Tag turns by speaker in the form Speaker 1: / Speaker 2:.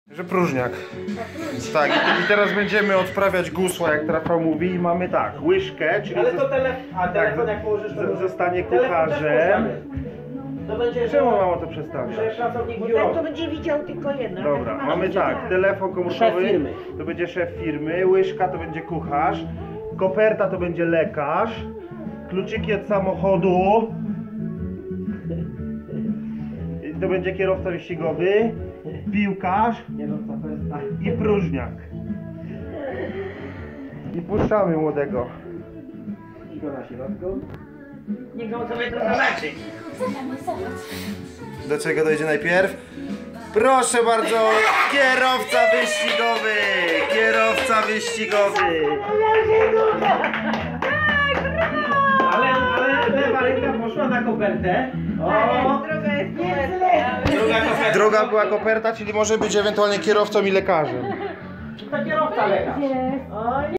Speaker 1: Że próżniak. Tak, i teraz będziemy odprawiać gusła, jak Rafał mówi, i mamy tak, łyżkę, czyli
Speaker 2: Ale to telefon jak położysz, to
Speaker 1: zostanie kucharzem.
Speaker 2: To będzie,
Speaker 1: Czemu mamo to przestawiać?
Speaker 2: że pracownik
Speaker 3: Bo
Speaker 2: biura.
Speaker 3: tak to będzie widział tylko jedno.
Speaker 1: Dobra,
Speaker 3: tak
Speaker 1: mamy tak, telefon komórkowy,
Speaker 2: Szef firmy.
Speaker 1: to będzie szef firmy, łyżka to będzie kucharz, koperta to będzie lekarz, kluczyki od samochodu, to będzie kierowca wyścigowy, piłkarz i próżniak. I puszczamy młodego.
Speaker 2: I go na środku.
Speaker 3: Niech on sobie to zobaczy.
Speaker 1: Do czego dojdzie najpierw? Proszę bardzo, kierowca wyścigowy! Kierowca wyścigowy!
Speaker 2: Ale lewa ręka poszła na kopertę. O!
Speaker 3: Droga jest
Speaker 2: Druga koperta.
Speaker 1: Druga była koperta, czyli może być ewentualnie kierowcą i lekarzem.
Speaker 2: To kierowca lekarz.